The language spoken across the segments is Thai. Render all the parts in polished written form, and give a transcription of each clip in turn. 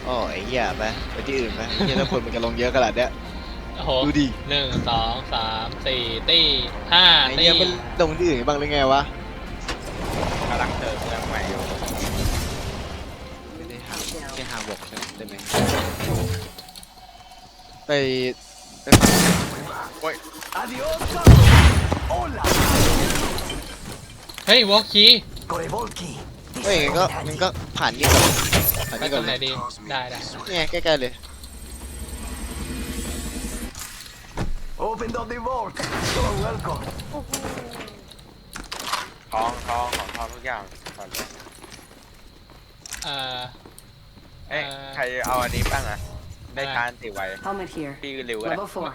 อ๋อไอ้เหี้ยไปที่อื่นไปไอ้เหี้ยแล้วคนมันจะลงเยอะขนาดเนี้ยโอ้โหดูดิ 1 2 3 4 ตี้5 ไอ้ตี้เหี้ยมันลงที่อื่นบ้างหรือไงวะกำลังเติมเมืองใหม่อยู่ไม่ได้หาแค่หาบกใช่ไหมไปไปฟังโอ้ย Adiós, hola. เฮ้ยวอลคี Korevolki. เฮ้ยงั้นก็ผ่านนี่ก่อนผ่านไปนี่ตก่รอนงเลไหนยดีได้เนี่ยใกล้ๆเลย Open up the vault. You're welcome. ทองของทองทุกอย่างก่อนเลยเอ่อเอ้ยใครเอาอันนี้บ้างอะได้ทานติไว Helmet here. พี่ริวก็ได้ Level 4.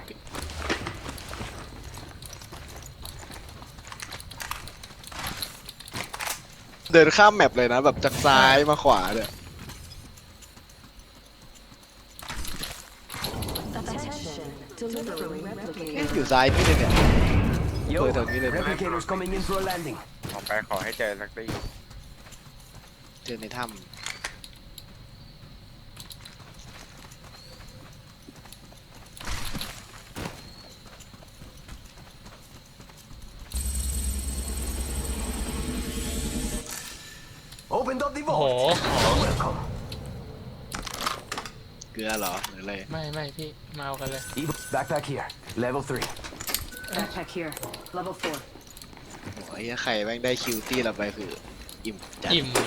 เดินข้ามแมปเลยนะแบบจากซ้ายมาขวาเนี่ย Attention. Delivering เอ๊ะ replicator. อยู่ซ้ายพี่เลยเนี่ย Yo, Thôi, thôi, nghĩ lên. replicators coming in for a landing. ออกไปขอให้เจอสักทีเจอในถ้ Open up the โอ้โห vault. You're welcome. ำเกลือเหรอหรืออะไรไม่พี่มาเอากันเลย Backpack here. Level 3. Backpack here. Level 4. โอ้ยใครแม่งได้คิวตี้เราไปคืออิ่มจัดอิ่มอะ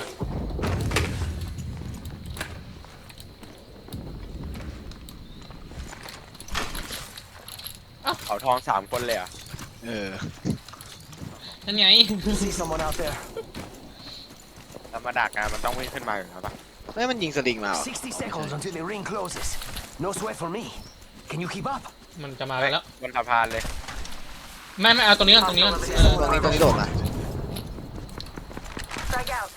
เขาทอง3 คนเลยเหรอ่ะเออนั่นไง See someone out there? ธรรมดากานมันต้องวิ่งขึ้นมาอยู่แล้วปะไม่มันยิงสลิงมาเหรอ 60 seconds until the ring closes. No sweat for me. Can you keep up? มันจะมากันแล้วบนสะพานเลยไม่เอาตรงนี้ก่อนเออตรงนี้โดดมา Strike out.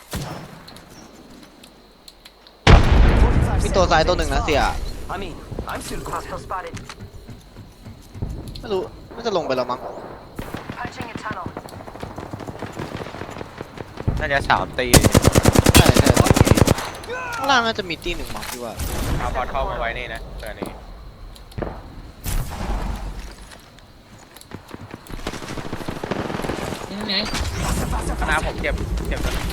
45 มีตัวซ้าย seconds ตัวหนึ่งนะเสีย I mean, I'm still good. Hostile spotted. ไม่รู้น่าจะลงไปแล้วมั้ง Punching a tunnel. น่าจะ3 ตีใช่ข้างล่างน่าจะมีตีหนึ่งมั้งพี่ว่าเอาพอเข้ามาไว้นี่นะตัวนี้นั่นไงคณะผมเจ็บตัวนี้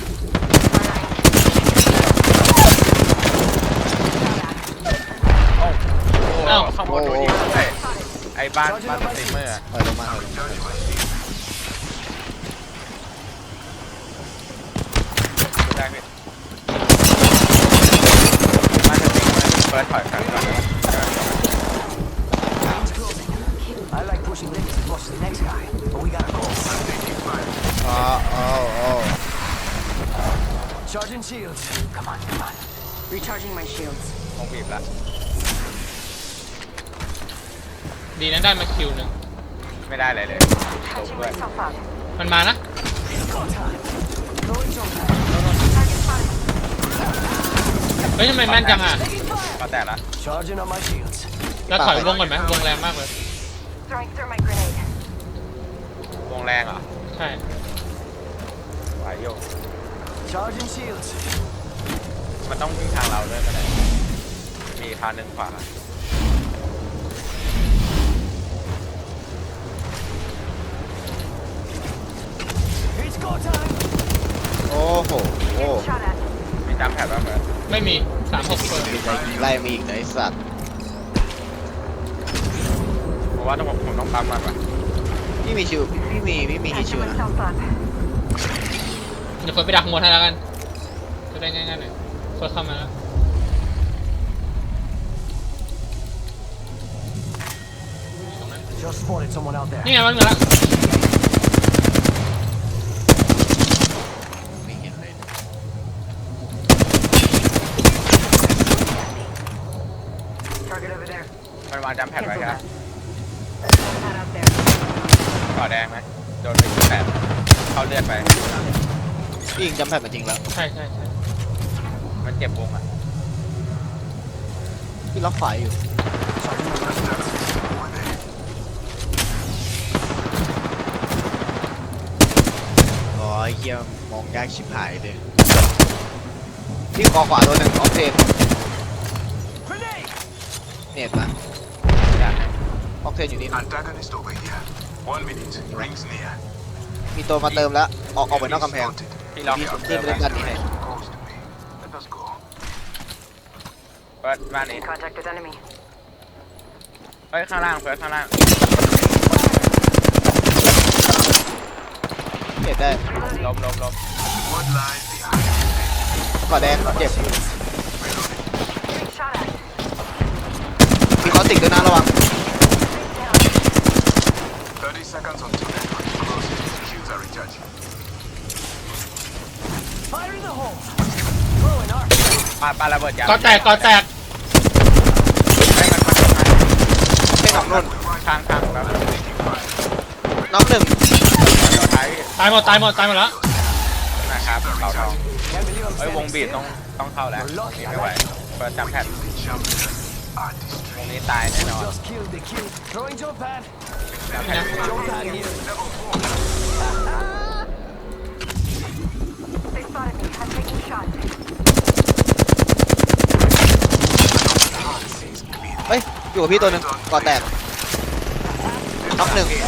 โอ้โหข้างบนโดนยิงด้วยไอ้บ้านสตรีมเมอร์อะถอยลงมาถอยลงมาได้พี่บ้านสตรีมเมอร์เปิดถอยกันก่อน I like pushing limits as much as the next guy, but we gotta go. อ๋ออ๋อ Charging shields. Come on. Recharging my shields. คงบีบละดีนะได้มาคิวหนึ่งไม่ได้เลยลง Patching ด้วย myself up. มันมานะ Go time. Throwing jump pad. Target spotted. เฮ้ยทำไมแม่นจังอ่ะก็แต่ละ Charging on my shields. แล้วถอยวงก่อนไหมวงแรงมากเลย Throwing through my grenade. วงแรงเหรอใช่ไหวโย Charging shields. มันต้องวิ่งทางเราด้วยก็ได้มีทางหนึ่งขวา It's go time. โอ้โห Getting shot at. มีจำแผดบ้างไหมไม่มี36เปิดมีใจยิงไล่มีอีกนะไอ้สัตว์เพราะว่าผมต้องปั๊มมันว่ะพี่มีชิวพี่มีฮิชิว Patching นะ myself up. เดี๋ยวเฟิร์สไปดักหมดให้แล้วกันจะได้ง่ายๆหน่อยเฟิร์สเข้ามาแล้ว Just spotted someone out there. นี่ไงมันเหมือนละไม่เห็นเลย Target over there. มันวางจำแผด Cancel ไว้ครับ that. Not out there. ก่อแดงไหมโดนไป8เข้าเลือดไปพี่ยิงจำแพดมาจริงแล้วใช่มันเจ็บวงอ่ะพี่ล็อกไฟอยู่ Charging on my shields. อ๋อไอ้เหี้ยมองยากชิบหายเลยพี่ขอขวาตัวหนึ่งออฟเทนเน็ตมาอยากให้ออกเทนอยู่นี่ Antagonist over here. 1 minute. Rings near. มีตัวมาเติมแล้วออกไปนอกกำแพงพี่ล็อกพี่ขึ้นไปเล่นด้านนี้ให้ Close to me. Let us go. เปิดบ้านนี้ In contact with enemy. เฮ้ยข้างล่างเปิดข้างล่างเน็ตได้ล้ม What lies behind? ก่อแดงเจ็บ Getting shot at. มีคอสติกด้วยนะระวัง 30 seconds until network closes. Shields are recharging. Fire in the hole. Throwing arc. ปาระเบิดยางก่อแตกให้มันเป็นหนองนุ่นทางแบบน้องหนึ่งเดี๋ยวท้ายพี่ตายหมดแล้วนะครับเต่าทอง Can't believe I'm เฮ้ยวง standing บีด still. ต้องเข้าแล้ววงนี้ไม่ไหวเปิดจำแพท Champions are ว destroyed. งนี้ตายแน่นอน Just killed the kill. Throwing jump pad. จำแพท Jump pad here. They spotted me. I'm taking shots. เฮ้ยอยู่กับพี่ตัวหนึ่งก่อแตกน้องหนึ่ง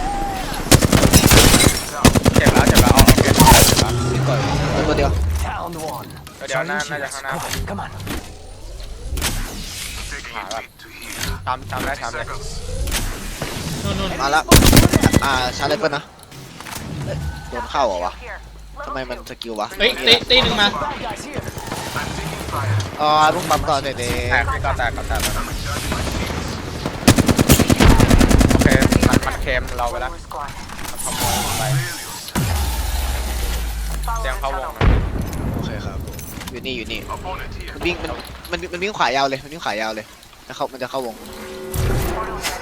เจ็บแล้วเอาโอเคเจ็บแล้วก่อนตัวเดียว Down one. เดี๋ยวน่า Charging จะ shields. ข้างหน้า Come on. Taking a beat to heal. ทำได้ 30 seconds. นู่นมาละชาร์จเลยเปิ้ลนะเอ้ยโดนเข้าเหรอวะ Here. ทำไมมันสกิลวะเฮ้ยตีหนึ่งมา Bad guys here. I'm taking fire. ลุงปั๊มก่อนเด็ดแตกพี่ก็แตกแล้ว I'm recharging my shields. โอเคมันเค็มเราไปแล้ว One more squad. มันขโมยไป Failures. Follow เตรียม the เข้าวง tunnel. นะโอเคครับอยู่นี่ Opponent here. มันวิ่งมันวิ่งขวายาวเลยมันวิ่งขวายาวเลยมันจะเข้าวง Portal ready.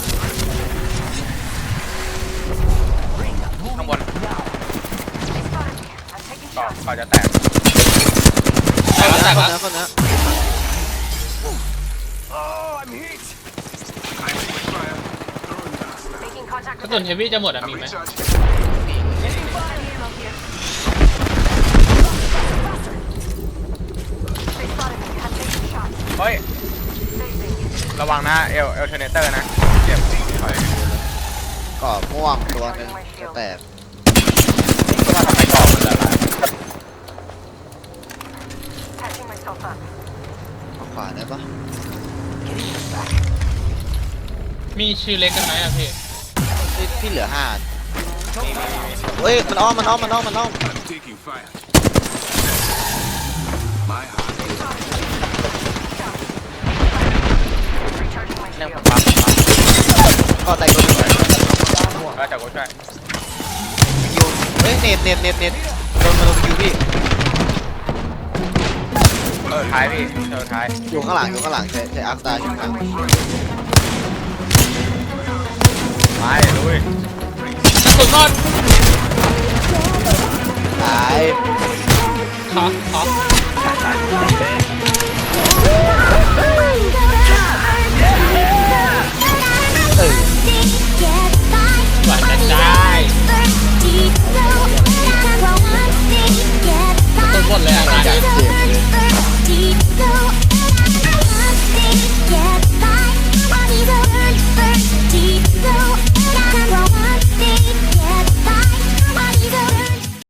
Ring. ข้างบน Moving now. They spotted me. I'm taking ก็ shots. เขาจะแตกแตกแล้วคนนะ Oh, I'm hit. I'm taking fire. Throwing gas. Making contact กระ with สุน enemy. เฮฟวี่จะหมดอ่ะ I'm มีไหม recharging. Enemy ammo here. They spotted me. I'm taking shots. เฮ้ย Facing. ระวังนะเอลเทอร์เนเตอร์นะเจ็บถอยก่อม่วงตัวหนึ่งแตกก็ว่าทำไมกรอบมันละลาย Patching myself up. ขวาได้ปะมีชื่อเล็กกันไหมอ่ะพี่พี่เหลือ5เฮ้ยมันอ้อม I'm taking fire. My heart. Recharging my เรื่อง shield. ผมปั๊มก่อแตกตัวหนึ่งก็จะกูช่วยยูเฮ้ยเน็ตโดนคิวพี่ท้ายพี่ท้ายอยู่ข้างหลังใช้อาร์คตาอยู่ข้างหลังไปลุยกระสุนหมดตายขอ